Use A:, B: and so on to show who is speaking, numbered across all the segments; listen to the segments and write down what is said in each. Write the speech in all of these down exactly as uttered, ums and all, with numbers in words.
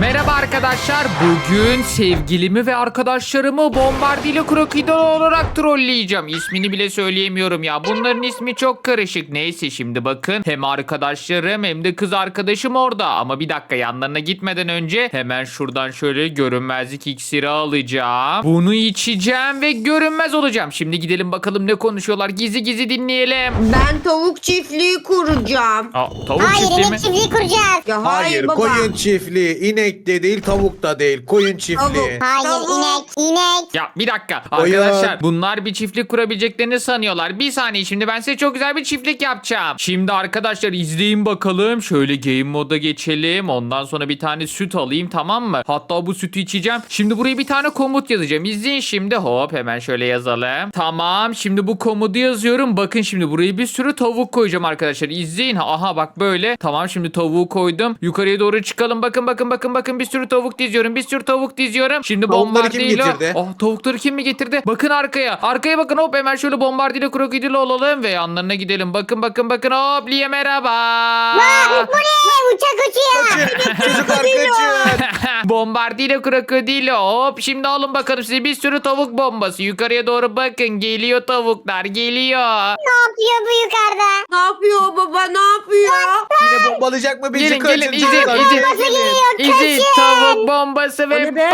A: Merhaba arkadaşlar. Bugün sevgilimi ve arkadaşlarımı Bombardilo Krokodilo olarak trolleyeceğim. İsmini bile söyleyemiyorum ya. Bunların ismi çok karışık. Neyse şimdi bakın. Hem arkadaşlarım hem de kız arkadaşım orada. Ama bir dakika, yanlarına gitmeden önce hemen şuradan şöyle görünmezlik iksiri alacağım. Bunu içeceğim ve görünmez olacağım. Şimdi gidelim bakalım ne konuşuyorlar. Gizli gizli dinleyelim.
B: Ben tavuk çiftliği kuracağım.
A: Aa, tavuk
C: Hayır,
A: çiftliği mi?
C: inek çiftliği kuracağız.
B: Ya hayır,
D: Hayır,
B: baba.
D: koyun çiftliği. İnek de değil, tavuk da değil. Koyun çiftliği.
B: Tavuk.
C: Hayır,
B: Tavuk.
C: inek, inek.
A: Ya bir dakika
D: Oyun.
A: arkadaşlar, bunlar bir çiftlik kurabileceklerini sanıyorlar. Bir saniye, şimdi ben size çok güzel bir çiftlik yapacağım. Şimdi arkadaşlar izleyin bakalım. Şöyle game moda geçelim. Ondan sonra bir tane süt alayım, tamam mı? Hatta bu sütü içeceğim. Şimdi buraya bir tane komut yazacağım. İzleyin şimdi. Hop, hemen şöyle yazalım. Tamam, şimdi bu komutu yazıyorum. Bakın şimdi buraya bir sürü tavuk koyacağım arkadaşlar. İzleyin. Aha bak böyle. Tamam, şimdi tavuğu koydum. Yukarıya doğru çıkalım. Bakın bakın bakın bakın, bir sürü tavuk diziyorum. Bir sürü tavuk diziyorum. Şimdi
D: Tavukları kim
A: bombardilo.
D: getirdi?
A: Oh, tavukları kim mi getirdi? Bakın arkaya. Arkaya bakın, hop hemen şöyle bombardilo krokodilo olalım ve yanlarına gidelim. Bakın bakın bakın, hop Liye merhaba.
C: Aa, bu ne? Uçak uçuyor.
D: Çocuklar kaçın.
A: Bombardilo krokodilo, hop şimdi alın bakalım size bir sürü tavuk bombası. Yukarıya doğru bakın, geliyor tavuklar, geliyor.
C: Ne yapıyor bu yukarıda?
B: Ne yapıyor baba, ne yapıyor?
D: Yine bombalayacak mı bizi?
A: Gelin
D: Kaçın
A: gelin, izin
D: çocuklar.
A: izin.
C: Bombası geliyor,
A: İzin,
C: kaçın.
A: tavuk bombası
B: O
A: ve
B: ne be?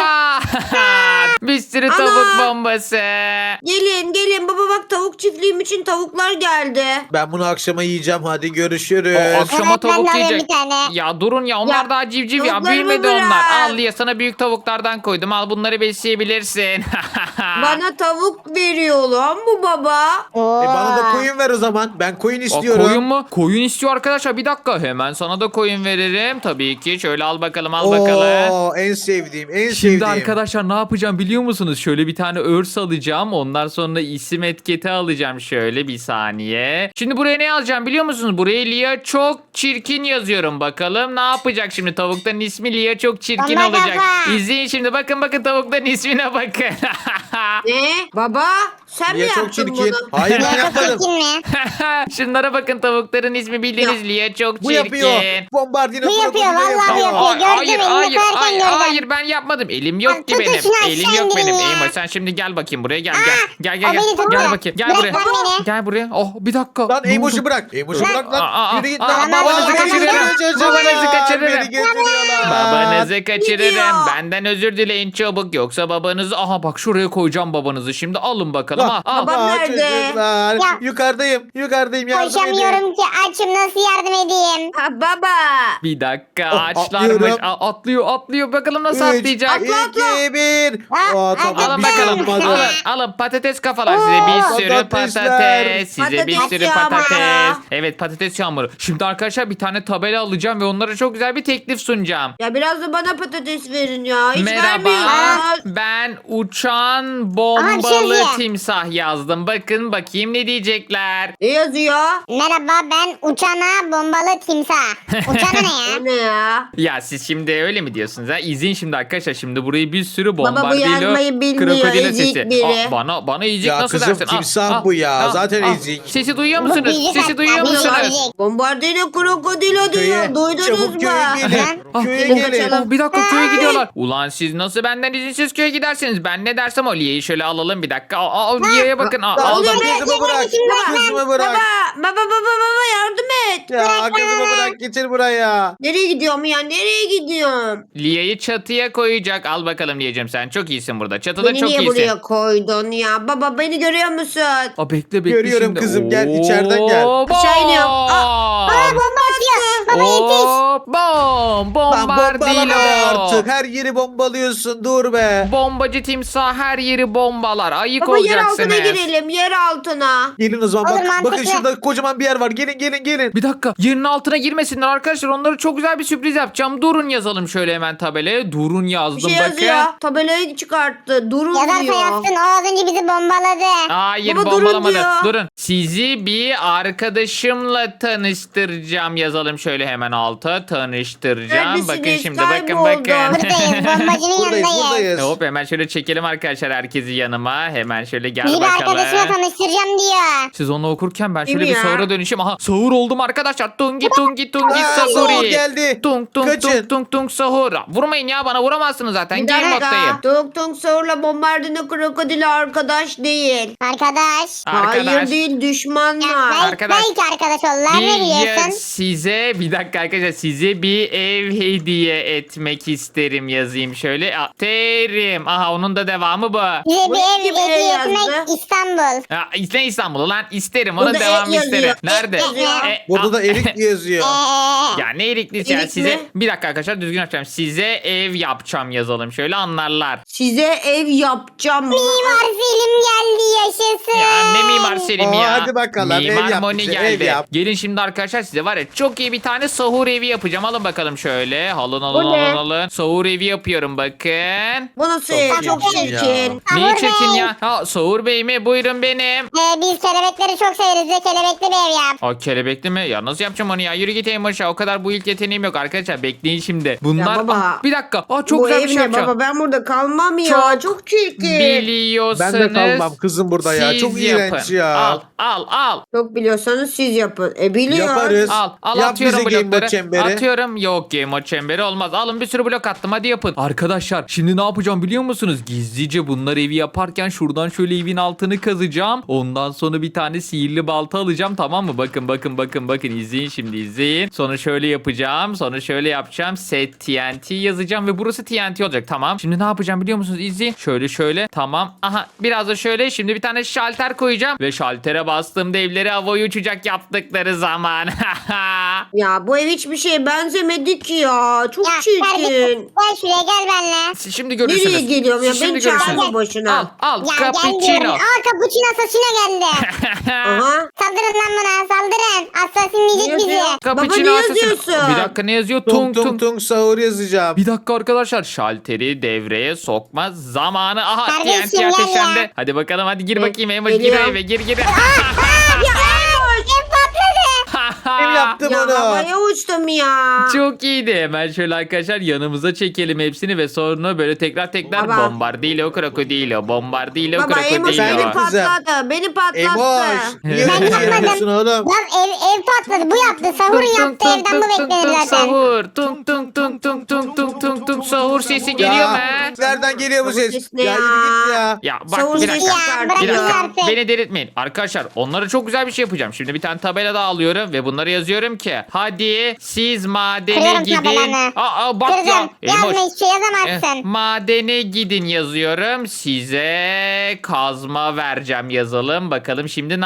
A: pat. Bir sürü
B: Ana.
A: tavuk bombası.
B: Gelin gelin baba, bak tavuk çiftliğim için tavuklar geldi.
D: Ben bunu akşama yiyeceğim. Hadi görüşürüz.
A: O akşama
C: Evet, ben de
A: tavuk
C: alıyorum
A: yiyecek.
C: bir tane.
A: Ya durun ya, onlar
B: Ya,
A: daha civciv ya,
B: tavuklarımı
A: büyümedi
B: bırak.
A: onlar. Al ya, sana büyük tavuklardan koydum, al bunları besleyebilirsin.
B: Bana tavuk veriyor lan bu baba.
C: Oo.
D: E bana da koyun ver o zaman. Ben koyun
A: Aa,
D: istiyorum.
A: koyun mu? Koyun istiyor arkadaşlar, bir dakika, hemen sana da koyun veririm. Tabii ki, şöyle al bakalım, al bakalım.
D: Oo, en sevdiğim, en
A: Şimdi
D: sevdiğim.
A: arkadaşlar ne yapacağım biliyor musunuz? Şöyle bir tane örs alacağım. Ondan sonra isim etiketi alacağım. Şöyle bir saniye. Şimdi buraya ne yazacağım biliyor musunuz? Buraya Lia çok çirkin yazıyorum. Bakalım ne yapacak şimdi? Tavukların ismi Lia çok çirkin
C: Bomba
A: olacak.
C: kafa.
A: İzleyin şimdi. Bakın bakın, tavukların ismine bakın.
B: Ne? Baba sen
D: Niye
B: mi
D: çok
B: yaptın
D: çirkin?
B: bunu?
D: Hayır ben
C: Çok
D: yapmadım.
C: çirkin mi?
A: Şunlara bakın, tavukların ismi bildiğiniz Lia çok çirkin.
D: Bu yapıyor. Bombardino
C: Bu yapıyor,
D: krokodilo
C: vallahi
D: yapıyor.
C: yapıyor.
A: Aa,
C: Gördüm,
A: hayır
C: elini
A: hayır
C: koyarken
A: hayır,
C: gördüm.
A: hayır ben yapmadım. Elim yok
C: Lan
A: ki
C: tutun
A: benim.
C: şunu
A: Elim
C: aşağı
A: yok benim.
C: indirin ya.
A: Eymoş sen şimdi gel bakayım buraya, gel
C: Aa,
A: gel. Gel gel
C: o beni
A: gel.
C: tuttu.
A: Gel bakayım. Gel
C: Bırak
A: buraya.
C: lan beni.
A: Gel buraya. Oh bir dakika.
D: Lan
A: Ne
D: Eymoş'u
A: oldu?
D: bırak. Eymoş'u bırak
A: Aa,
D: lan.
A: aa,
D: Yürü git
A: aa,
D: lan.
A: babanızı
D: Aa,
A: kaçırırım.
D: kaçırıyorlar.
A: Babanızı kaçırırım.
D: Beni götürüyorlar.
A: Babanızı kaçırırım.
B: Gidiyor.
A: Benden özür dileyin çabuk. Yoksa babanızı... Aha bak, şuraya koyacağım babanızı. Şimdi alın bakalım. Ha, al.
B: Babam
D: Aa,
B: nerede?
D: çocuklar.
C: Ya.
D: Yukarıdayım. Yukarıdayım. Yardım edin.
C: Koşamıyorum ki, açım, nasıl yardım edeyim?
B: Ha baba.
A: Bir dakika,
D: Oh,
A: ağaçlarmış.
D: atlıyorum.
A: Aa, atlıyor atlıyor. Bakalım nasıl
D: Üç,
A: atlayacak.
D: iki, bir.
C: Ha,
D: Aa, tamam.
C: hadi
A: Alın
D: bir şey
A: bakalım.
D: olmadı.
A: Alın, alın patates kafalar size, bir
D: Oo,
A: sürü
D: patatesler.
A: patates. Size bir
B: Patates
A: sürü
B: yağmuru.
A: patates. Evet, patates yağmuru. Şimdi arkadaşlar bir tane tabela alacağım ve onlara çok güzel bir teklif sunacağım.
B: Ya biraz da bana patates verin ya. Hiç
A: Merhaba,
B: vermiyorsunuz.
A: ben uçan
C: Aha, bir şey
A: bombalı
C: yazıyor.
A: timsah yazdım. Bakın bakayım ne diyecekler.
B: Ne yazıyor?
C: Merhaba, ben uçana bombalı timsah. Uçana ne ya?
B: O ne ya?
A: Ya siz şimdi öyle mi diyorsunuz ha? İzin şimdi arkadaşlar, şimdi burayı bir sürü
B: Baba bu
A: bombardilo
B: yazmayı bilmiyor,
A: krokodilo
B: ezik
A: sesi.
B: biri.
A: Aa, bana bana ezik
D: Ya
A: nasıl
D: kızım,
A: dersin? Al,
D: timsah
A: al,
D: bu ya.
A: al,
D: Zaten
A: al.
D: ezik.
A: Sesi duyuyor
C: Bu
A: musunuz?
C: bizi
A: Sesi
C: kat-
A: duyuyor
C: bizi
A: musunuz?
C: öldürecek.
B: Bombardino krokodilo diyor.
D: Köye.
B: Duydunuz
D: Çabuk
B: mu?
D: köye gelin.
A: Ah,
D: Köye
B: gelin
D: gelin.
B: kaçalım.
A: Oh, bir dakika, köye gidiyorlar. Ulan siz nasıl benden izinsiz köye gidersiniz? Ben ne dersem o. Liye'yi şöyle alalım bir dakika. Aa, aa, Liye'ye bakın. Aa,
D: Lan
A: aldım.
D: kızımı bırak. Kızımı bırak.
B: Baba, baba, baba, baba yardım et.
D: Ya kızımı bırak. Getir buraya.
B: Nereye gidiyorum ya? Nereye gidiyorum?
A: Liye'yi çatıya koyacak. Al bakalım Liye'cim, sen çok iyisin burada. Çatıda
B: Beni
A: çok
B: niye
A: iyisin.
B: buraya koydun ya? Baba beni görüyor musun?
A: Aa, bekle bekle
D: Görüyorum
A: şimdi.
D: kızım, gel, içeriden gel.
A: Hop,
B: Aşağı iniyorum.
A: bom.
C: Aa, bomba atıyor. Baba yetiş.
A: Hop, bom.
D: Lan bombalama
A: Bombardilo.
D: artık. Her yeri bombalıyorsun. Dur be.
A: Bombacı timsah her yeri bombalar. Ayık
B: Baba yer
A: olacaksınız.
B: altına girelim, yer altına.
D: Gelin o zaman.
C: Olur,
D: Bak,
C: mantıklı.
D: bakın şurada kocaman bir yer var. Gelin gelin gelin.
A: Bir dakika, yerin altına girmesinler arkadaşlar. Onlara çok güzel bir sürpriz yapacağım. Durun yazalım şöyle hemen tabelaya. Durun
B: Bir
A: yazdım
B: şey
A: bakın.
B: yazıyor. Tabelayı çıkarttı. Durun
C: Yazarsa
B: diyor.
C: yazsın, o az önce bizi bombaladı.
A: Hayır,
B: Baba, durun
A: bombalamadı.
B: diyor.
A: Durun. Sizi bir arkadaşımla tanıştıracağım yazalım şöyle hemen alta. Tanıştıracağım.
B: Neredesiniz?
A: Bakın şimdi, bakın
B: Kayboldum.
A: bakın.
C: Buradayız, bombacının
D: Buradayız
C: yanındayız.
D: buradayız.
A: Hop, hemen şöyle çekelim arkadaşlar herkesi yanıma. Hemen şöyle gel
C: Bizi bir
A: bakalım.
C: arkadaşıma tanıştıracağım diyor.
A: Siz onu okurken ben şöyle
B: Kim
A: bir
B: ya?
A: sahura dönüşeyim. Aha, sahur oldum arkadaşlar. Tungi tungi tungi
D: Aa,
A: sahuri.
D: sahur geldi.
A: Tung tung
D: Kaçın.
A: tung tung tung sahur. vurmayın ya, bana vuramazsınız zaten.
B: Bir
A: Game
B: dakika.
A: moddayım.
B: Tung Tung Sahur'la Bombardino Krokodil arkadaş değil.
C: Arkadaş.
A: Arkadaş.
B: Hayır değil, düşmanlar.
C: Belki,
A: Arkadaş.
C: belki arkadaş oldular. Ne
A: Bir
C: diyorsun?
A: size bir dakika arkadaşlar, size bir ev hediye etmek isterim, yazayım şöyle. A- Terim. Aha, onun da devamı bu.
C: Bize
B: Bu
C: bir ev
B: kim
C: hediye
B: yazdı?
C: etmek İstanbul.
A: Ya, İsne İstanbul'u lan, isterim,
B: Bu
A: onun
B: da
A: devamı
B: et yazıyor.
A: isterim.
B: Et
A: Nerede?
B: yazıyor.
A: E,
D: Burada
A: a-
D: da erik yazıyor.
C: Eee.
A: Ya ne eriklisi ya,
B: Erik
A: size
B: mi?
A: bir dakika arkadaşlar, düzgün yapacağım. Size ev yapacağım yazalım, şöyle anlarlar.
B: Size ev yapacağım.
C: Mimar Selim geldi yaşasın.
A: Ya ne Mimar Selim
D: Oo,
A: ya.
D: hadi bakalım, ev
A: Mimar
D: yap
A: Moni
D: bize,
A: geldi.
D: ev yap.
A: Gelin şimdi arkadaşlar, size var ya çok iyi bir tane sahur evi yapacağım. Alın bakalım şöyle. Alın alın
B: Bu ne?
A: alın alın. Sahur evi yapıyorum bakın.
B: Bu nasıl ev?
D: Çok
B: Çok
D: iyi ya.
B: çirkin.
C: Sahur
A: Neyi çekin
C: Bey.
A: ya? Ha, Sahur Bey mi? Buyurun benim.
C: Ee, biz kelebekleri çok severiz. Bize kelebekli bir ev yap.
A: O kelebekli mi? Ya nasıl yapacağım onu ya? Yürü git en başa. O kadar bu ilk yeteneğim yok arkadaşlar. Bekleyin şimdi. Bunlar...
B: Ya baba.
A: Aa, bir dakika. Aa, çok
B: Bu
A: güzel
B: ev
A: bir şey
B: ne
A: yapacağım.
B: baba? Ben burada kalmam ya.
A: Çok
B: Çok, çirkin.
A: Biliyorsanız...
D: Ben de kalmam kızım burada ya.
A: siz
D: Çok iğrenç
A: yapın.
D: ya.
A: Al al al.
B: Çok biliyorsanız siz yapın. E biliyor.
D: Yaparız.
A: Al al
D: Yap
A: atıyorum
D: bize Game Mode
A: blokları.
D: çemberi.
A: Atıyorum. Yok, Game Mode çemberi olmaz. Alın bir sürü blok attım, hadi yapın. Arkadaşlar şimdi ne yapacağım biliyor musunuz? Gizlice bunlar evi yaparken şuradan şöyle evin altını kazacağım. Ondan sonra bir tane sihirli balta alacağım, tamam mı? Bakın bakın bakın bakın, izleyin şimdi, izleyin. Sonra şöyle yapacağım. Sonra şöyle yapacağım. Set T N T yazacağım ve burası T N T olacak, tamam. Şimdi ne yapacağım biliyor musunuz? İzleyin. Şöyle şöyle, tamam. Aha, biraz da şöyle. Şimdi bir tane şalter koyacağım ve şaltere bastığımda evleri havaya uçacak yaptıkları zaman.
B: Ya bu ev hiçbir şeye benzemedi ki ya. Çok
C: Ya
B: çirkin.
C: kardeşim gel şuraya gel benimle.
A: Siz şimdi görürsünüz.
B: Nereye geliyorum ya?
A: Siz
B: Beni
A: şimdi
B: çağırma
A: görürsünüz.
B: boşuna.
A: Al al
C: Ya gel diyorum.
A: cappuccino.
C: Aa cappuccino asasino geldi.
B: Aha.
C: Saldırın lan buna saldırın. Asasinleyecek
B: Ne
C: bizi.
B: yazıyor?
A: Cappuccino
B: Baba ne
A: asasino.
B: yazıyorsun?
A: Bir dakika, ne yazıyor?
D: Tung
A: Tung
D: tung
A: tung.
D: tung sahur yazacağım.
A: Bir dakika arkadaşlar, şalteri devreye sokma zamanı. Aha,
C: Kardeşim,
A: T N T
C: gel ya.
A: ateşlendi. Hadi bakalım, hadi gir
B: E,
A: bakayım Emoş, gir
B: geliyorum.
A: eve, gir gir.
C: Ev patladı.
D: Kim yaptı
B: Ya
D: bunu?
B: havaya uçtum ya.
A: Çok iyiydi. Hemen şöyle arkadaşlar yanımıza çekelim hepsini ve sonra böyle tekrar tekrar
B: Baba.
A: bombardilo krokodilo, bombardilo
B: Baba Emoş
D: Sen de
B: beni
A: krokodilo.
D: kızım.
B: patladı. Beni patlattı.
D: Emoş. Niye
C: Ben
D: böyle şey
C: yapmadım.
D: yapıyorsun oğlum?
C: Lan ev, ev patladı. Bu yaptı. Sahur'un yaptığı evden bu beklenir zaten.
A: Sahur. Tung tung tung tung tung tung tung tung sahur sesi geliyor mu?
D: Ya, nereden geliyor bu
B: Sahur
D: ses?
B: sesi ne
D: Ya
B: ya?
D: yürü git ya.
A: Ya bak,
B: Sahur
A: bir
B: sesi
A: dakika.
C: Ya
B: çıkartıyor.
A: Bir
C: bırakın
A: dakika.
C: artık.
A: Beni delirtmeyin. Arkadaşlar onlara çok güzel bir şey yapacağım. Şimdi bir tane tabela daha alıyorum ve bunlara yazıyorum ki hadi siz madene
C: Kırıyorum
A: gidin.
C: tabelanı.
A: Aa, aa, bak ya.
C: Kıracağım.
A: Emoş.
C: Yazma hiçbir şey
A: Eh,
C: yazamazsın.
A: madene gidin yazıyorum. Size kazma vereceğim yazalım. Bakalım şimdi ne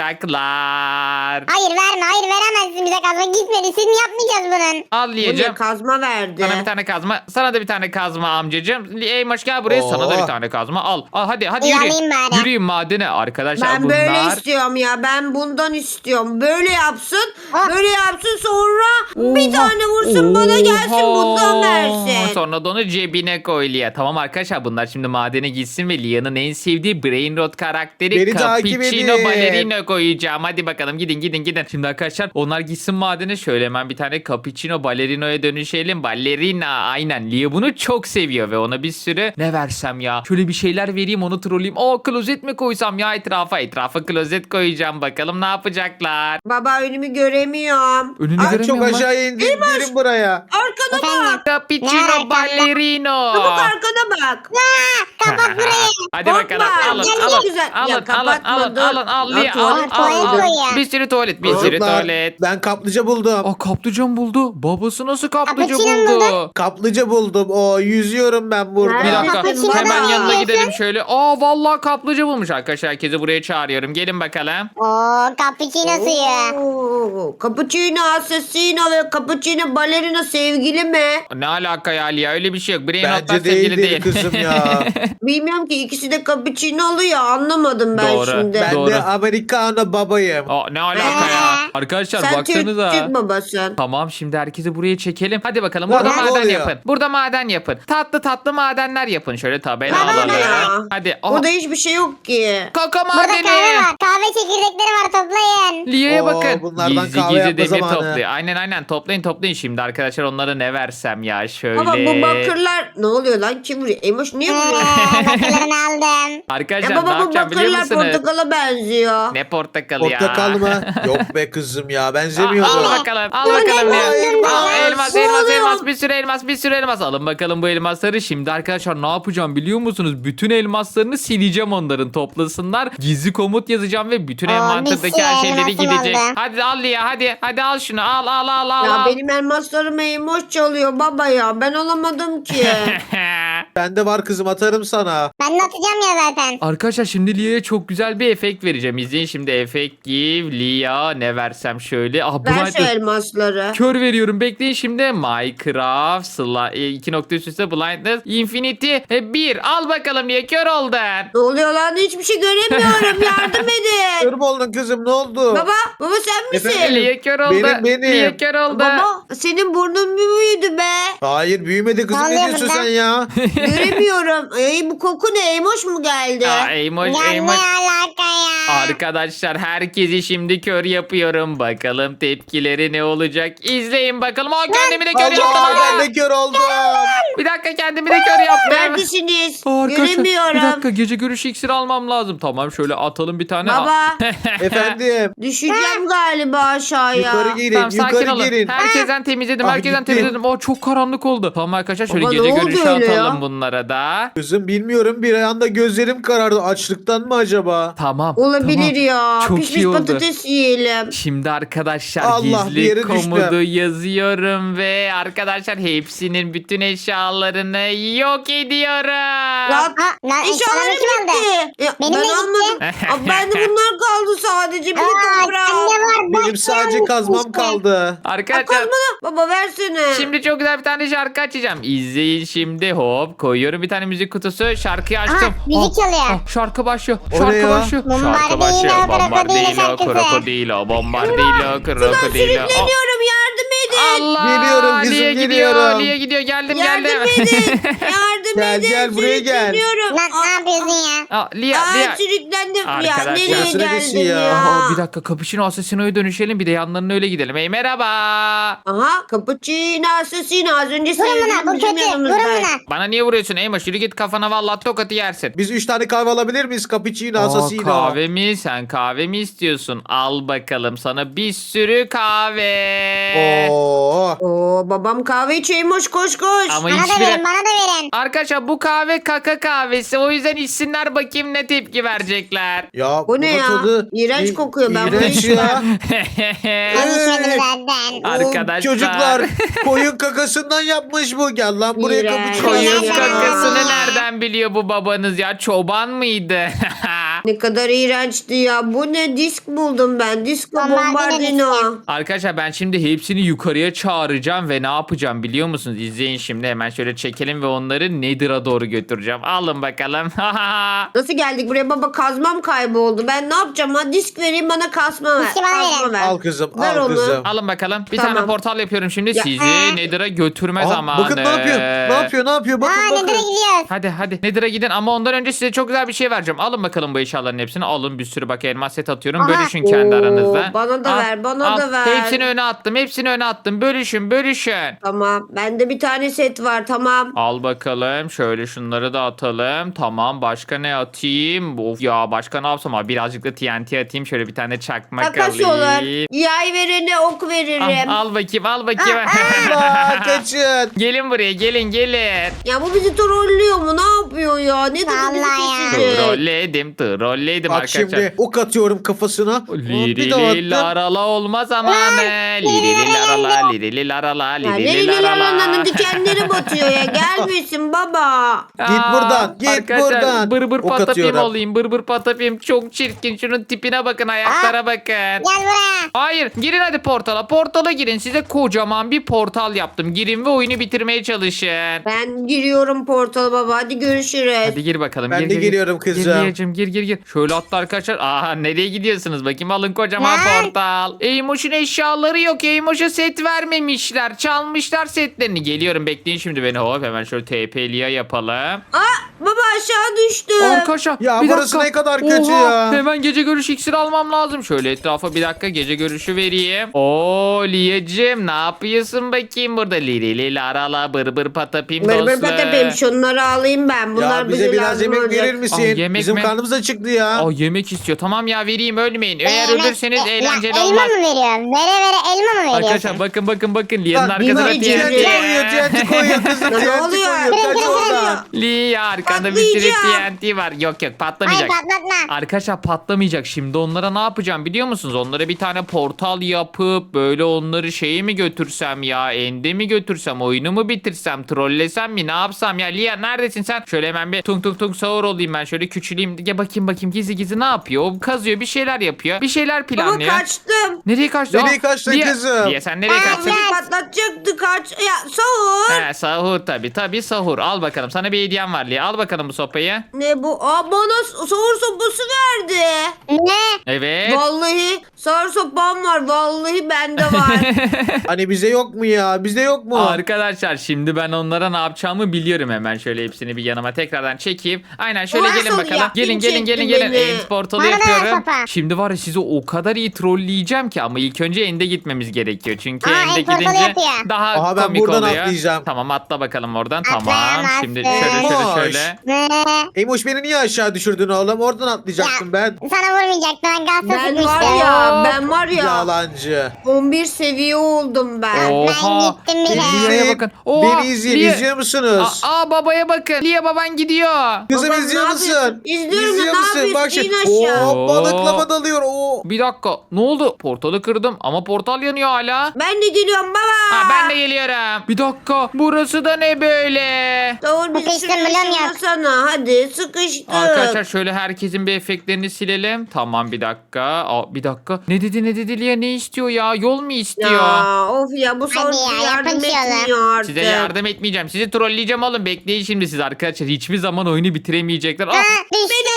A: yapacaklar.
C: Hayır verme. Hayır veremezsin bize kazma. Gitmedi. Siz mi yapmayacağız bunun?
A: Al
B: Bu ne
A: Liyacığım.
B: kazma verdi.
A: Sana bir tane kazma. Sana da bir tane kazma amcacığım. Eymoş gel buraya. Sana da
D: Oo.
A: bir tane kazma. Al. Al hadi hadi
C: İyi,
A: yürüyün.
C: alayım bari.
A: Yürüyün madene arkadaşlar.
B: Ben
A: bunlar...
B: böyle istiyorum ya. Ben bundan istiyorum. Böyle yapsın.
C: Ah.
B: Böyle yapsın sonra bir tane vursun bana gelsin bundan versin.
A: Sonra da onu cebine koy Lia. Tamam arkadaşlar, bunlar şimdi madene gitsin ve Lia'nın en sevdiği Brain Rot karakteri
D: Beni takip
A: Cappuccino
D: edin.
A: Ballerino koyacağım. Hadi bakalım, gidin gidin gidin. Şimdi arkadaşlar onlar gitsin madene, şöyle hemen bir tane Cappuccino Ballerino'ya dönüşelim. Ballerina, aynen. Lia bunu çok seviyor ve ona bir sürü ne versem ya. Şöyle bir şeyler vereyim, onu trolleyeyim. Aa, klozet mi koysam ya etrafa? Etrafa klozet koyacağım. Bakalım ne yapacaklar.
B: Baba önümü göremiyorum.
A: Önünü
D: Ay,
A: göremiyorum
D: çok
A: lan.
D: aşağıya indim. Gelin buraya.
B: Arkana
C: Efendim?
B: bak.
C: Ne
A: Cappuccino
C: var
A: Ballerino.
B: Çabuk arkana bak.
C: Aa, kapat burayı.
A: Hadi
B: Korkma,
A: bakalım, alın
B: gel,
A: alın
B: güzel.
A: alın
B: Ya,
A: alın
B: kapatma,
A: alın
B: dur.
A: alın al
B: Ya,
A: Lia, al
B: tuvalet
A: al
C: koyuyor.
A: al. Bir sürü tuvalet, bir sürü
D: Çocuklar,
A: tuvalet.
D: ben kaplıca buldum.
A: Aa, kaplıca buldu. Babası nasıl kaplıca
C: Cappuccino
A: buldu?
C: buldun.
D: Kaplıca buldum. O yüzüyorum ben burada.
A: Bir
B: Ha,
A: dakika,
B: Cappuccino
A: hemen
B: da
A: yanına
C: yiyorsun.
A: gidelim şöyle. Aa, vallahi kaplıca bulmuş arkadaşlar. Herkesi buraya çağırıyorum. Gelin bakalım.
C: Oo cappuccino suyu.
B: Oo, Cappuccino assassino ve cappuccino ballerina sevgili mi?
A: Ne alaka ya Lia? Öyle bir şey yok. Brain
D: Bence
A: Rot'lar sevgili
D: değildir
A: değil.
D: kızım ya.
B: Bilmiyorum ki ikisi de cappuccino oluyor anlamadım ben
A: Doğru.
B: şimdi.
D: Ben
A: Doğru.
D: de Americano babayım.
A: Aa, ne alaka ya? Arkadaşlar
B: Sen Türk,
A: baksanıza.
B: Türk babasın.
A: Tamam, şimdi herkesi buraya çekelim. Hadi bakalım,
D: Lan
A: burada
D: ne
A: maden
D: oluyor?
A: yapın. Burada maden yapın. Tatlı tatlı madenler yapın. Şöyle tabela
B: Baba
A: alalım.
B: ne ya?
A: Hadi. Aa,
B: Burada hiçbir şey yok ki.
A: kaka
C: Burada
A: madeni.
C: kahve var. Kahve çekirdekleri var toplayın.
A: Liye'ye
D: Oo,
A: bakın.
D: bunlardan
A: Gizli
D: kahve
A: gizli
D: yapma
A: demir
D: zamanı.
A: topluyor. Aynen aynen, toplayın toplayın. Şimdi arkadaşlar onlara ne versem ya, şöyle.
B: Baba bu bakırlar ne oluyor lan? Kim vuruyor? Emoş niye vuruyor?
C: Ee, bakırlarını aldım.
A: Arkadaşlar
B: Ya
A: ne
B: baba bu
A: yapacağım biliyor
B: bakırlar
A: musunuz?
B: portakala benziyor.
A: Ne portakalı ya?
D: Portakal mı? Yok be kızım ya
A: Al,
D: benzemiyordu.
A: al bakalım. Al
C: Bu ne
A: bakalım ya.
C: elmas?
A: Al elmas
B: Ne
A: elmas
B: oluyor?
A: elmas bir sürü elmas bir sürü elmas. Alın bakalım bu elmasları. Şimdi arkadaşlar ne yapacağım biliyor musunuz? Bütün elmaslarını sileceğim onların toplasınlar. Gizli komut yazacağım ve bütün
C: Aa,
A: envanterdaki
C: bir
A: her
C: sürü
A: şeyleri
C: elmasım
A: gidecek.
C: oldu.
A: Hadi al ya hadi. Hadi al şunu al al al al.
B: Ya
A: al.
B: benim elmaslarımı Emoş çalıyor baba ya. Ben alamadım ki.
D: Bende var kızım atarım sana.
C: Ben de atacağım ya zaten.
A: Arkadaşlar şimdi Lia'ya çok güzel bir efekt vereceğim. İzleyin şimdi efekt give Lia ne versem şöyle. Ah
B: Ver
A: Blind
B: şu elmasları.
A: kör veriyorum. Bekleyin şimdi. Minecraft sla, e, iki nokta üst üste blindness infinity bir. Al bakalım Lia kör oldun.
B: Ne oluyor lan? Hiçbir şey göremiyorum. Yardım edin.
D: Kör mü oldun kızım ne oldu?
B: Baba, baba sen misin?
D: Efendim?
A: Lia kör oldu.
D: Benim, benim.
A: Lia kör oldu.
B: Baba senin burnun mu büyüdü be?
D: Hayır büyümedi kızım
C: Ne
D: ne
C: oluyor
D: diyorsun
C: burada?
D: sen ya?
B: Göremiyorum. Ey bu koku ne? Emoş mu geldi?
A: Aa, Eymoş,
C: Ya ne
A: Eymoş.
C: alaka ya?
A: Arkadaşlar herkesi şimdi kör yapıyorum. Bakalım tepkileri ne olacak? İzleyin bakalım. Aa, kendimi de kör yaptım.
D: Allah
A: Aa,
D: ben de kör oldum.
A: Bir dakika kendimi de kör yaptım.
B: Neredesiniz?
A: Aa, arkadaşlar,
B: Göremiyorum.
A: bir dakika gece görüşü iksiri almam lazım. Tamam şöyle atalım bir tane.
B: Baba
D: Efendim
B: düşeceğim galiba aşağıya.
D: yukarı girin
A: Tamam sakin
D: yukarı
A: olun.
D: girin.
A: Herkesten temizledim.
D: Ah,
A: Herkesten
D: gitti.
A: temizledim. O çok karanlık oldu. Tamam arkadaşlar şöyle
B: Baba,
A: gece
B: ne oldu
A: görüşü
B: öyle
A: atalım
B: ya?
A: bunlara da.
D: Kızım bilmiyorum bir anda gözlerim karardı açlıktan mı acaba?
A: Tamam.
B: Olabilir
A: tamam.
B: ya.
A: Çok
B: Pişmiş
A: iyi oldu.
B: patates yiyelim.
A: Şimdi arkadaşlar
D: Allah, bir
A: gizli
D: yere
A: komodu
D: düştüm.
A: yazıyorum ve arkadaşlar hepsinin bütün eşyalarını yok ediyorum.
B: Lan
C: Aa, lan
B: eşyalarım
C: eşyalarım kimde?
B: gitti. Ya,
C: Benim
B: ben
C: de gitti.
B: almadım. Aa, ben de bunlar kaldı sadece. Bir de
C: Aa,
B: toprak.
C: sende var. bak,
D: Benim sadece
C: sen
D: kazmam
C: işte.
D: kaldı.
A: Arkadaşlar
B: Kazmanı. Baba versene.
A: şimdi çok güzel bir tane şarkı açacağım. İzleyin şimdi hop koyuyorum bir tane müzik kutusu şarkıyı açtım.
C: Aha, müzik çalıyor.
A: Ah, şarkı başlıyor.
D: O ne
A: Şarkı
D: ya?
A: başlıyor. Şarkı
C: Bombardino,
A: başlıyor.
C: krokodilo
A: Bombardino,
C: şarkısı.
A: krokodilo, bombardino, krokodilo. Oh,
B: Sürükleniyorum yardım edin.
A: Allah!
D: Geliyorum kızım,
A: Lia gidiyor,
D: geliyorum.
A: Lia gidiyor. Geldim,
B: Yardım
A: geldim.
B: edin. Yardım
D: Gel,
B: edin.
D: gel, buraya gel.
B: Sürükleniyorum.
C: Lan ne yapıyorsun ya?
A: Aa, Lia,
B: Aa,
A: Lia.
B: sürüklendim. Ya
A: Arkadaşlar.
B: nereye
D: Burası neresi
B: geldim
D: ya?
B: ya?
A: Aa, bir dakika Capuchino Assassino'ya dönüşelim bir de yanlarına öyle gidelim. Hey merhaba.
B: Aha cappuccino assassino az önce
C: Vurun buna
B: sevdiğim
C: bu
B: bizim
C: kötü.
B: yanımızda.
C: Vurun buna.
A: Bana niye vuruyorsun Eymoş? Yürü git kafana vallahi tokatı yersin.
D: Biz üç tane kahve alabilir miyiz? Cappuccino,
A: Aa,
D: assassino.
A: kahve mi? Sen kahve mi istiyorsun? Al bakalım sana bir sürü kahve.
D: Oo.
B: Oo babam kahve içiyor koş koş koş.
A: Ama
C: Bana da
A: hiçbiri...
C: verin bana da verin.
A: Arkadaşlar bu kahve kaka kahvesi. O yüzden içsinler bakayım ne tepki verecekler.
D: Ya
B: Bu ne
D: bunun
B: ya?
D: tadı
B: İğrenç
D: İ-
B: kokuyor, ben bunu
D: İğrenç
B: içmem.
D: ya.
C: Ben içmedim zaten.
A: Arkadaşlar.
D: Çocuklar koyun kakasından yapmış bu. Gel lan buraya
B: İğrenç.
D: cappuccino.
A: Koyun
C: Nereden
A: kakasını
C: biliyor?
A: nereden biliyor bu babanız ya? Çoban mıydı?
B: Ne kadar iğrençti ya. Bu ne disk buldum ben. Disco
C: Bombardino
B: bombardino.
A: Arkadaşlar ben şimdi hepsini yukarıya çağıracağım ve ne yapacağım biliyor musunuz? İzleyin şimdi hemen şöyle çekelim ve onları Nether'a doğru götüreceğim. Alın bakalım.
B: Nasıl geldik buraya baba? Kazmam kayboldu. Ben ne yapacağım? Ha disk vereyim bana kasma ver.
C: Diski bana
B: Kazma
C: verin.
B: ver.
D: Al kızım
B: Ver
D: al
B: onu.
D: kızım.
A: Alın bakalım. Bir
B: Tamam.
A: tane portal yapıyorum şimdi.
B: Ya,
A: Sizi
C: ee?
A: Nether'a götürme
D: Aa,
A: zamanı.
D: bakın ne yapıyor? Ne yapıyor? Ne yapıyor? Bakın
C: Aa
D: bakın.
C: nereye gidiyoruz?
A: Hadi hadi Nether'a gidin ama ondan önce size çok güzel bir şey vereceğim. Alın bakalım bu eşyaların hepsini. Alın bir sürü bak elmas set atıyorum.
C: Aha.
A: Bölüşün kendi
B: Oo,
A: aranızda.
B: bana da ver, bana da ver.
A: Hepsini öne attım. Hepsini öne attım. Bölüşün bölüşün.
B: Tamam. Bende bir tane set var. Tamam.
A: Al bakalım. Şöyle şunları da atalım. Tamam. Başka ne atayım? Of ya başka ne yapsam? Abi birazcık da T N T atayım. Şöyle bir tane çakmak
B: Takas
A: alayım.
B: olur. Yay verene ok veririm.
A: Al, al bakayım al bakayım.
D: Aa, kaçın.
A: Gelin buraya gelin gelin.
B: Ya bu bizi trollüyor mu? Ne yapıyor ya? Ne dedi bizi
C: Vallahi ya.
B: kesecek?
A: Trolledim trolledim
D: Bak
A: arkadaşlar.
D: şimdi ok atıyorum kafasına. Hop, bir daha
A: Lirili
D: attım.
A: larala olma zamanı. Lirili larala lirili larala
B: Ya
A: lirili
B: nereli
A: larala.
B: lalananın dikenleri batıyor ya. Gelmesin baba.
D: Git
A: Aa,
D: buradan, git
A: arkadaşlar,
D: buradan.
A: Bır bır
D: Ok
A: patapim
D: atıyorum.
A: olayım. Bır bır patapim çok çirkin. Şunun tipine bakın ayaklara bakın.
C: Gel buraya.
A: Hayır girin hadi portala. Portala girin. Size kocaman bir portal yaptım. Girin ve oyunu bitirmeye çalışın.
B: Ben giriyorum portala baba. Hadi görüşürüz.
A: Hadi gir bakalım.
D: Ben
A: gir,
D: de
A: gir,
D: giriyorum
A: gir.
D: kızım.
A: Gir Liyacığım, gir gir gir. Şöyle atla arkadaşlar. Aha nereye gidiyorsunuz? Bakayım alın kocaman
C: Lan.
A: portal. Eymoş'un eşyaları yok. Eymoş'a set vermemişler. Çalmışlar setlerini. Geliyorum bekleyin şimdi beni. Hop hemen şöyle T P Liya yapalım.
B: Aa Baba aşağı düştüm.
A: Arkadaşlar
D: Ya
A: bir
D: burası
A: dakika.
D: ne kadar kötü
A: Oha,
D: ya.
A: Hemen gece görüşü iksiri almam lazım. Şöyle etrafa bir dakika gece görüşü vereyim. Oo Liyacığım ne yapıyorsun bakayım burada? Lili lili arala bır bır patapim
B: Bır
A: dostum.
B: bır patapim şunları alayım ben. Bunlar
D: Ya bize
B: bize
D: biraz
B: lazım
D: yemek
B: olacak.
D: verir misin?
A: Aa, yemek
D: Bizim
A: mi?
D: karnımız acıktı ya.
A: Aa, yemek istiyor. Tamam ya vereyim ölmeyin. Eğer
C: Yemek-
A: ölürseniz
C: e,
A: eğlenceli
C: ya,
A: olmaz.
C: Elma mı veriyor? Vere vere elma mı veriyorsun?
A: Arkadaşlar bakın bakın bakın. Lia'nın
D: Lan,
A: arkasına
B: Nina,
A: T N
B: T N
A: T.
B: T
D: koyuyor, T N T koyuyor kızım.
B: Ya ne
D: T N T
B: oluyor?
D: koyuyor. Kaç
C: Kırın, kırın,
D: oradan.
A: Lia arkanda bir sürü
B: Patlayacağım.
A: T N T var. Yok yok
C: Hayır
A: patlamayacak.
C: patlatma.
A: Arkadaşlar patlamayacak. Şimdi onlara ne yapacağım biliyor musunuz? Onlara bir tane portal yapıp böyle onları şeye mi götürsem ya? Ende mi götürsem? Oyunu mu bitirsem? Trollesem mi? Ne yapsam ya? Lia neredesin sen? Şöyle hemen bir tung tung tung sahur olayım ben. Şöyle küçüleyim. Ya bakayım bakayım gizli gizli ne yapıyor? O kazıyor bir şeyler yapıyor. Bir şeyler
B: Baba
A: planlıyor.
B: kaçtım.
A: Nereye kaçtın?
D: Nereye
A: Aa,
D: kaçtın
A: Lia-
D: kızım?
A: Lia sen nereye
C: Aa,
A: kaçtın?
C: ben-
B: Beni patlatacaktı kaç. Ya sahur.
A: He sahur tabi tabi sahur. Al bakalım sana bir hediyem var Lia. Al bakalım bu sopayı.
B: Ne bu? Aa bana sahur sopası verdi.
C: Ne?
A: Evet.
B: Vallahi sahur sopam var. Vallahi bende var.
D: Hani bize yok mu ya? Bizde yok mu?
A: Arkadaşlar şimdi ben onlara ne yapacağımı biliyorum hemen. Şöyle hepsini bir yanıma tekrardan çekeyim. Aynen şöyle
B: Nasıl
A: gelin bakalım.
B: yaptın,
A: Gelin gelin gelin
B: çektin
A: gelin.
B: beni?
A: End portalı
C: Bana da ver
A: yapıyorum.
C: sopa.
A: Şimdi var ya sizi o kadar iyi trolleyeceğim ki ama ilk önce End'e gitmemiz gerekiyor. Çünkü
C: Aa,
A: End'e
C: end portalı
A: gidince
C: yapıyor.
A: daha
D: Aha, ben
A: komik
D: buradan
A: oluyor.
D: atlayacağım.
A: Tamam atla bakalım oradan.
C: Atlayamazsın.
A: Tamam. Şimdi şöyle şöyle
D: Boş.
A: şöyle.
C: Ne?
D: Eymoş beni niye aşağı düşürdün oğlum? Oradan atlayacaktım ben.
C: Sana vurmayacaktı ben gazla
B: ben
C: sıkmıştım.
B: var ya
A: Oo.
B: ben var ya
D: Yalancı.
B: on bir seviye oldum ben.
A: Oha.
C: gittim bile.
A: Lia'ya
D: İzleyin.
A: bakın. Oha,
D: Beni izleyin.
A: Lia-
D: İzliyor musunuz?
A: Aa, aa, babaya bakın. Lia baban gidiyor.
D: Kızım
B: Babam,
D: izliyor
B: ne
D: musun?
B: yapıyorsun? İzliyorum,
D: İzliyor
B: ne
D: musun? Bak
B: yapıyorsun?
D: şimdi.
B: İn aşağı.
D: Oo, balıklama dalıyor. Oo.
A: Bir dakika. Ne oldu? Portalı kırdım ama portal yanıyor hala.
B: Ben de geliyorum baba.
A: Ha, ben de geliyorum. Bir dakika. Burası da ne böyle?
B: Sahur bir
C: Sıkıştım,
B: sürü
C: biliyorum ya.
B: sana. Hadi sıkıştık.
A: Arkadaşlar şöyle herkesin bir efektlerini silelim. Tamam bir dakika. Aa, bir dakika. Ne dedi ne dedi Lia ne istiyor ya? Yol mu istiyor?
B: Ya of ya bu sahur
C: Hadi ya,
B: bize yardım
C: yapın şöyle.
B: etmiyor artık.
A: Size yardım etmeyeceğim. Sizi trolleyeceğim oğlum. Bekleyin şimdi siz arkadaşlar. Hiçbir zaman oyunu bitiremeyecekler. Ah,
C: Ha, düştü.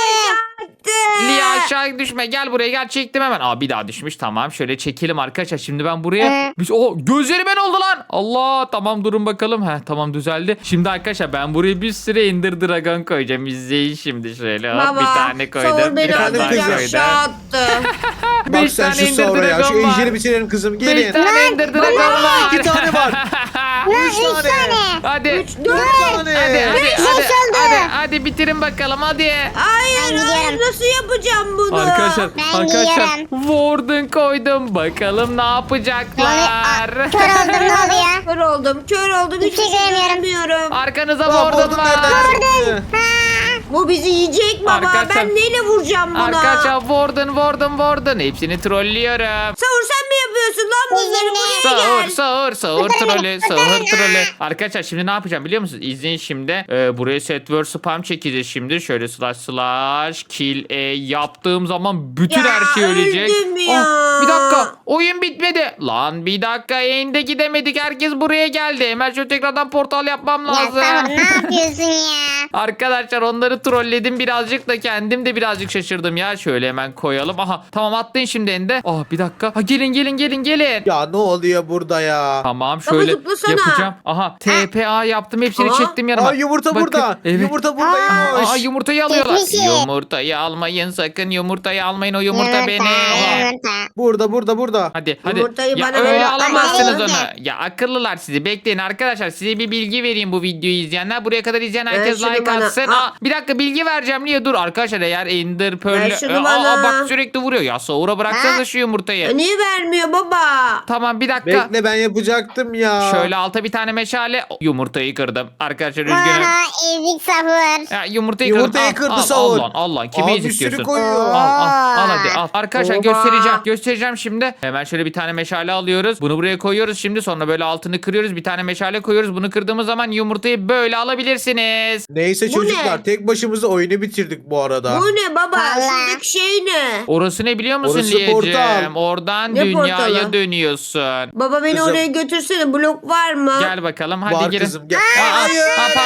A: Lia aşağı düşme. Gel buraya gel. Çektim hemen. Aa bir daha düşmüş. Tamam. Şöyle çekelim arkadaşlar. Şimdi ben buraya...
C: Hı.
A: Biz... Oh, gözleri ben oldu lan. Allah. Tamam durun bakalım. Heh, tamam düzeldi. Şimdi arkadaşlar ben buraya bir sürü Ender Dragon koyacağım. İzleyin şimdi şöyle. Hop,
B: Baba
A: bir tane koydum.
B: sahur beni
A: Bir tane
D: Efendim
A: daha
B: alacak
D: kızım?
A: koydum.
B: aşağı attı.
D: Bak
A: Beş
D: sen
A: tane
D: şu
A: Ender
D: sonra ya. Şu
A: Dragon var.
D: ejderi bitirelim kızım.
A: Beş
D: Gelin.
A: tane Ender Dragon var.
D: İki tane var.
C: Lan
D: Üç
C: üç
D: tane.
C: tane.
A: Hadi.
B: Üç,
D: Dört
B: dört.
D: tane.
A: Hadi hadi
C: Beş
A: hadi,
C: oldu.
A: hadi hadi bitirin bakalım hadi.
B: Hayır
C: Ben
B: hayır
C: gidiyorum.
B: nasıl yapacağım bunu?
A: Arkadaşlar
C: Ben
A: arkadaşlar
C: yiyorum.
A: Warden koydum bakalım ne yapacaklar.
C: Aa, kör oldum ne oluyor?
B: Kör oldum kör oldum.
C: Hiçbir şey göremiyorum.
B: göremiyorum.
A: Arkanıza
D: Aa,
A: Warden
D: buldum
A: var.
D: nereden çıktı?
C: Ha.
B: Bu bizi yiyecek baba.
A: Arkadaşlar-
B: Ben neyle vuracağım buna?
A: Arkadaşlar Warden Warden Warden hepsini trollüyorum.
B: Sahur sen mi yapıyorsun lan bunları? Buraya
A: Sahur
B: gel.
A: sahur sahur
C: Kurtarın
A: trolü
C: beni,
A: sahur
C: kurtarın.
A: trolü. Arkadaşlar şimdi ne yapacağım biliyor musunuz? İzleyin şimdi. Ee, buraya set word spam çekeceğiz şimdi. Şöyle slash slash kill e yaptığım zaman bütün
B: Ya,
A: her şey ölecek.
B: öldüm ya.
A: Aa, bir dakika oyun bitmedi. Lan bir dakika yayında gidemedik. Herkes buraya geldi. Hemen şöyle tekrardan portal yapmam
C: Ya
A: lazım.
C: Sahur ne yapıyorsun ya?
A: Arkadaşlar onları trolledim birazcık da kendim de birazcık şaşırdım ya. Şöyle hemen koyalım. Aha tamam atlayın şimdi Ende. Ah bir dakika. Ha, gelin gelin gelin gelin.
D: Ya ne oluyor burada ya?
A: Tamam şöyle
B: zıplasana.
A: yapacağım. Aha T P A yaptım hepsini
B: Aa.
A: çektim yanıma.
D: Aa yumurta
A: Bakın,
D: burada.
A: Evet.
D: Yumurta burada.
C: Aa,
D: Eymoş.
A: Aa yumurtayı alıyorlar.
C: Geçmişi.
A: Yumurtayı almayın sakın yumurtayı almayın o yumurta benim.
C: Yumurta.
D: Burada burada burada.
A: Hadi hadi.
B: Yumurtayı
A: Ya
B: bana
A: öyle
B: ver.
A: alamazsınız
C: Bana
A: onu.
C: ver.
A: Ya akıllılar sizi. Bekleyin arkadaşlar. Size bir bilgi vereyim bu videoyu izleyenler. Buraya kadar izleyen
B: Ver
A: herkes
B: şunu
A: like
B: bana.
A: atsın.
B: Aa.
A: Aa, bir dakika bilgi vereceğim. Niye dur arkadaşlar eğer Ender Pearl.
B: Ver şunu
A: Aa,
B: bana.
A: aa, bak sürekli vuruyor. Ya Saur'a bıraksanıza
C: Ha?
A: şu yumurtayı.
B: Ya niye vermiyor baba?
A: Tamam bir dakika.
D: Bekle ben yapacaktım ya.
A: Şöyle alta bir tane meşale. Yumurtayı kırdım. Arkadaşlar üzgünüm.
C: Aha ezik Sahur.
A: Ya yumurtayı,
D: Yumurtayı
A: kırdım. Al,
D: kırdı
A: al,
D: Saur.
A: al lan al lan. Kimi
D: Aa, bir
A: ezikliyorsun?
D: sürü koyuyor.
A: Al al al hadi al. Arkadaşlar
B: Oha.
A: göstereceğim. Göstereceğim şimdi. Hemen şöyle bir tane meşale alıyoruz. Bunu buraya koyuyoruz şimdi. Sonra böyle altını kırıyoruz. Bir tane meşale koyuyoruz. Bunu kırdığımız zaman yumurtayı böyle alabilirsiniz.
D: Neyse
B: Bu
D: çocuklar
B: ne?
D: tek başımıza oyunu bitirdik bu arada.
B: Bu ne baba?
C: Vallahi.
B: Şuradaki şey ne?
A: Orası ne biliyor musun
D: Orası
A: Liyeciğim?
D: portal.
A: Oradan
B: Ne
A: dünyaya
B: portalı?
A: dönüyorsun.
B: Baba beni
D: Kızım.
B: oraya götürsene. Blok var mı?
A: Gel bakalım hadi
D: Var
A: girin.
D: kızım gel.
A: Aa, aa,
D: Hayır.
A: aa, pardon
D: Aşağıya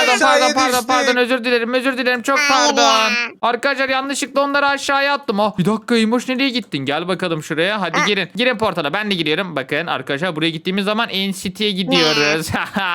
A: pardon pardon
D: düştük.
A: pardon özür dilerim özür dilerim çok
C: Hayır
A: pardon.
C: ya.
A: Arkadaşlar yanlışlıkla onları aşağıya attım. Ah bir dakika İmoş nereye gittin? Gel bakalım şuraya. Hadi
C: Ah.
A: girin. Girin portala. Ben de giriyorum. Bakın arkadaşlar buraya gittiğimiz zaman N C T'ye gidiyoruz.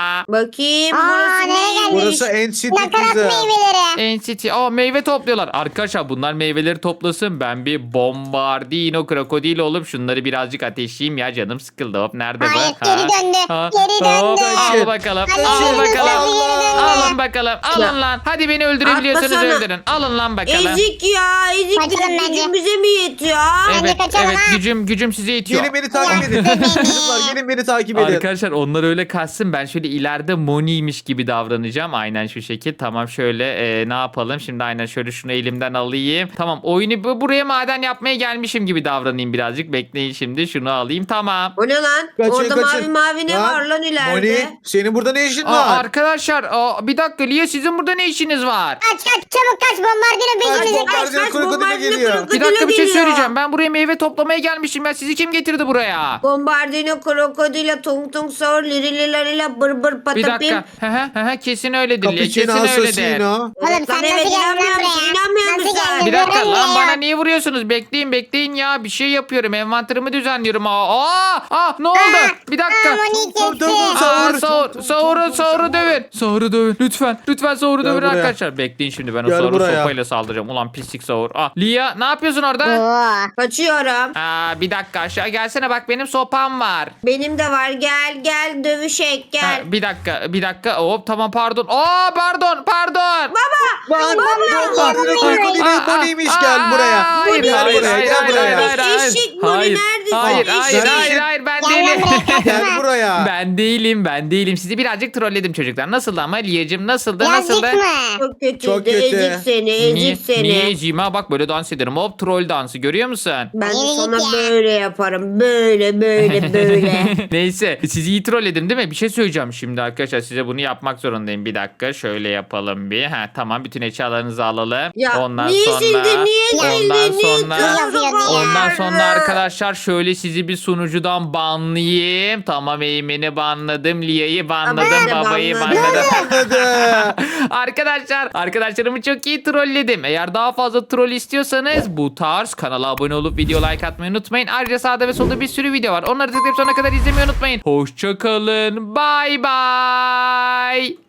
B: Bakayım
C: Aa,
B: burası
C: nereye
B: neymiş?
C: geldik?
D: Burası en city
C: Nakarat
D: kızı.
C: meyveleri.
A: N C T. Aa meyve topluyorlar. Arkadaşlar bunlar meyveleri toplasın. Ben bir bombardino krokodil olup şunları birazcık ateşleyeyim ya. Canım sıkıldı. Hop nerede bu?
C: Hayır, geri döndü. Geri
A: Hop,
C: döndü.
A: al bakalım.
C: Hadi
A: Al
C: yürü,
A: bakalım.
C: hadi yürü,
A: Alın bakalım. Alın
B: Ya.
A: lan. Hadi beni öldürebiliyorsunuz
B: Atlasana.
A: öldürün. Alın lan bakalım.
B: Ezik ya. Ezik
C: Kaçalım
B: bizim
C: bence.
B: gücüm bize mi yetiyor?
C: Bence
A: Evet,
C: kaçalım
A: evet
C: ha.
A: gücüm gücüm size yetiyor.
D: Gelin beni takip edin. Çocuklar gelin beni takip edin.
A: Arkadaşlar onlar öyle kaçsın ben şöyle ileride Moni'ymiş gibi davranacağım aynen şu şekil. Tamam şöyle e, ne yapalım şimdi aynen şöyle şunu elimden alayım. Tamam oyunu bu- buraya maden yapmaya gelmişim gibi davranayım birazcık. Bekleyin şimdi şunu alayım tamam.
B: O ne lan?
D: Kaçın,
B: Orada
D: kaçın.
B: mavi mavi ne var lan ileride?
D: Moni senin burada ne işin
A: Aa,
D: var?
A: arkadaşlar aa, bir dakika Lia sizin burada ne işiniz var?
C: Kaç kaç çabuk kaç bombardino peşimize
D: Kaç,
C: kaç.
D: kaç, kaç, krokodile geliyor.
A: Bir dakika bir şey
B: geliyor.
A: söyleyeceğim ben buraya meyve toplamaya gelmişim ya sizi kim getirdi buraya?
B: Bombardino, krokodile, tung tung sor, lirilerila, bır bır
A: Bir
B: patapim.
A: dakika. Hı hı, hı hı, kesin öyledir Lia kesin
D: Cappuccino
A: öyledir.
D: assassino.
C: Oğlum sen
B: Lan
C: nasıl
B: evet,
C: geldin lan
B: inanmıyor musun?
C: buraya?
B: İnanmıyor
C: Nasıl
B: musun?
C: geldin?
A: Bir dakika
C: Görün
A: lan
C: ya.
A: bana niye vuruyorsunuz? Bekleyin bekleyin ya. Bir şey yapıyorum. Envanterimi düzenliyorum. Aa, aa, aa ne oldu? Bir dakika.
C: Aa, Moni
D: Dur, dur,
C: kesti.
D: dur.
A: Aa,
D: Sahur.
A: Sahur, Sahur'u, Sahur'u dövün. Sahur'u dövün. Lütfen. Lütfen Sahur'u
D: Gel
A: dövün
D: buraya.
A: arkadaşlar. Bekleyin şimdi ben o
D: Gel
A: Sahur'u
D: buraya.
A: sopayla saldıracağım. Ulan pislik Sahur. Ah, Lia ne yapıyorsun orada?
C: Oo.
B: Kaçıyorum.
A: Aa, bir dakika aşağı gelsene bak benim sopam var.
B: Benim de var. Gel gel dövüşek
A: Ha,
B: gel.
A: bir dakika bir dakika hop tamam pardon. Aa pardon pardon.
D: Lan bombardino krokodile
A: Aa,
D: Moni'ymiş
A: aa,
D: gel buraya.
A: aa, Hayır,
D: Gel
A: hayır,
D: buraya
A: hayır,
D: gel
A: hayır,
D: buraya.
A: hayır, hayır.
B: Eşek Moni
A: Hayır,
B: neredesin?
A: hayır,
B: Eşek.
A: hayır, hayır, hayır, ben
C: Gel
A: değilim.
C: lan buraya
D: Gel
C: kaçma.
D: buraya.
A: Ben değilim, ben değilim. Sizi birazcık trolledim çocuklar. Nasıldı ama Liyacım nasıldı, nasıldı?
C: Yazık mı?
B: Çok kötüydü.
D: Çok kötü.
B: Ezik seni. Ezik
A: Niye,
B: seni.
A: niye Cima bak böyle dans ederim. Hop troll dansı görüyor musun?
B: Ben de
C: Yürü
B: sana
C: git ya.
B: böyle yaparım. Böyle böyle böyle.
A: Neyse sizi iyi trolledim değil mi? Bir şey söyleyeceğim şimdi arkadaşlar. Size bunu yapmak zorundayım. Bir dakika şöyle yapalım bir. Ha tamam bütün eşyalarınızı alalım.
B: Ya
A: ondan
B: niye
A: sonra
B: sildin? Niye
A: ondan
B: sildin? Niye
A: sonra
C: Yazıyor diye.
A: ondan sonra arkadaşlar şöyle sizi bir sunucudan banlayayım. Tamam Eymen'i banladım. Lia'yı banladım.
B: ben de
A: Babayı
B: banladım.
A: banladım.
D: Hadi.
A: Arkadaşlar arkadaşlarımı çok iyi trolledim. Eğer daha fazla troll istiyorsanız bu tarz kanala abone olup video like atmayı unutmayın. Ayrıca sağda ve solda bir sürü video var. Onları tıklayıp sonuna kadar izlemeyi unutmayın. Hoşçakalın. Bye bye.